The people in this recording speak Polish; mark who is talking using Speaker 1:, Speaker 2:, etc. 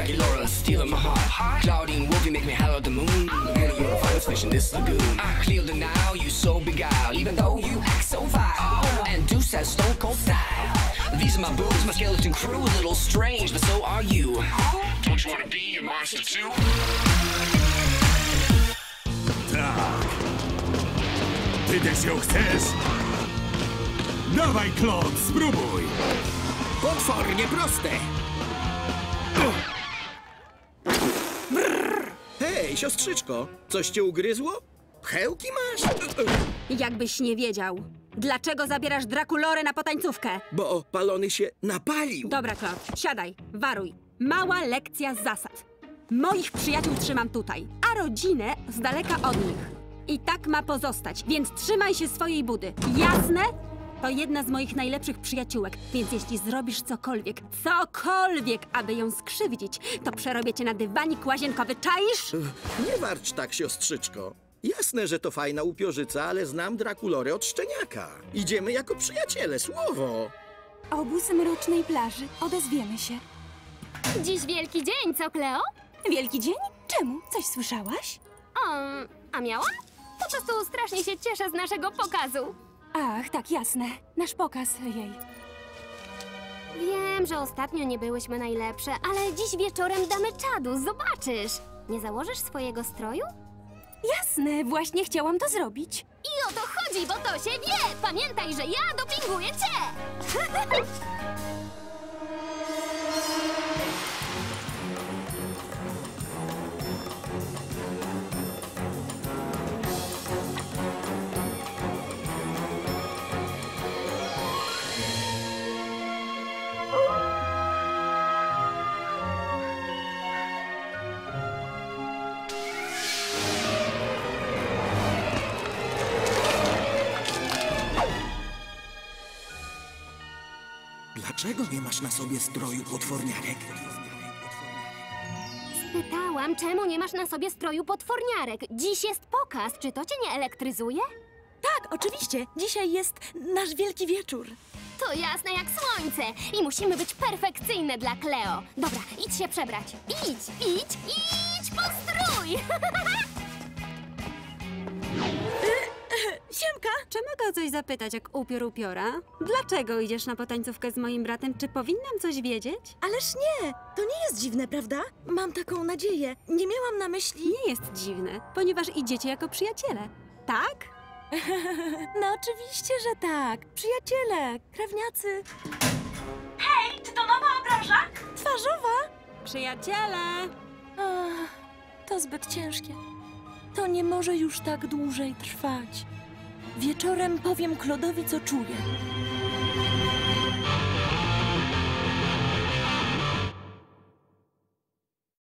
Speaker 1: Dracula, stealing my heart. Claudine Wolf, you make me holler at the moon. One of your finest fish in this lagoon. I clear the now, you so beguiled, even though you act so vile. And Deuce has stone cold style. These are my boobs, my skeleton crew, a little strange, but so are you. Don't you wanna be a monster too?
Speaker 2: Tak. Ty też ją chcesz? Dawaj, Claude, spróbuj!
Speaker 3: Potwornie proste. Hej, siostrzyczko, coś cię ugryzło? Pchełki masz?
Speaker 4: Jakbyś nie wiedział. Dlaczego zabierasz Draculorę na potańcówkę?
Speaker 3: Bo palony się napalił.
Speaker 4: Dobra, Claude, siadaj, waruj. Mała lekcja zasad. Moich przyjaciół trzymam tutaj, a rodzinę z daleka od nich. I tak ma pozostać, więc trzymaj się swojej budy. Jasne? To jedna z moich najlepszych przyjaciółek, więc jeśli zrobisz cokolwiek, aby ją skrzywdzić, to przerobię cię na dywanik łazienkowy, czaisz?
Speaker 3: Nie warcz tak, siostrzyczko. Jasne, że to fajna upiorzyca, ale znam Draculorę od szczeniaka. Idziemy jako przyjaciele, słowo.
Speaker 5: Obóz mrocznej plaży. Odezwiemy się.
Speaker 6: Dziś wielki dzień, co, Cleo?
Speaker 5: Wielki dzień? Czemu? Coś słyszałaś?
Speaker 6: A miałam? Po prostu strasznie się cieszę z naszego pokazu.
Speaker 5: Ach, tak, jasne. Nasz pokaz jej.
Speaker 6: Wiem, że ostatnio nie byłyśmy najlepsze, ale dziś wieczorem damy czadu, zobaczysz. Nie założysz swojego stroju?
Speaker 5: Jasne, właśnie chciałam to zrobić.
Speaker 6: I o to chodzi, bo to się wie! Pamiętaj, że ja dopinguję cię!
Speaker 3: Dlaczego nie masz na sobie stroju potworniarek?
Speaker 6: Spytałam, czemu nie masz na sobie stroju potworniarek? Dziś jest pokaz, czy to cię nie elektryzuje?
Speaker 5: Tak, oczywiście. Dzisiaj jest nasz wielki wieczór.
Speaker 6: To jasne jak słońce i musimy być perfekcyjne dla Cleo. Dobra, idź się przebrać. Idź po strój!
Speaker 5: Siemka!
Speaker 4: Czy mogę o coś zapytać, jak upiora? Dlaczego idziesz na potańcówkę z moim bratem? Czy powinnam coś wiedzieć?
Speaker 5: Ależ nie! To nie jest dziwne, prawda? Mam taką nadzieję. Nie miałam na myśli...
Speaker 4: Nie jest dziwne, ponieważ idziecie jako przyjaciele. Tak?
Speaker 5: No oczywiście, że tak. Przyjaciele, krewniacy.
Speaker 7: Hej, czy to nowa obraża?
Speaker 5: Twarzowa?
Speaker 4: Przyjaciele!
Speaker 5: Ach, to zbyt ciężkie. To nie może już tak dłużej trwać. Wieczorem powiem Claude'owi, co czuję.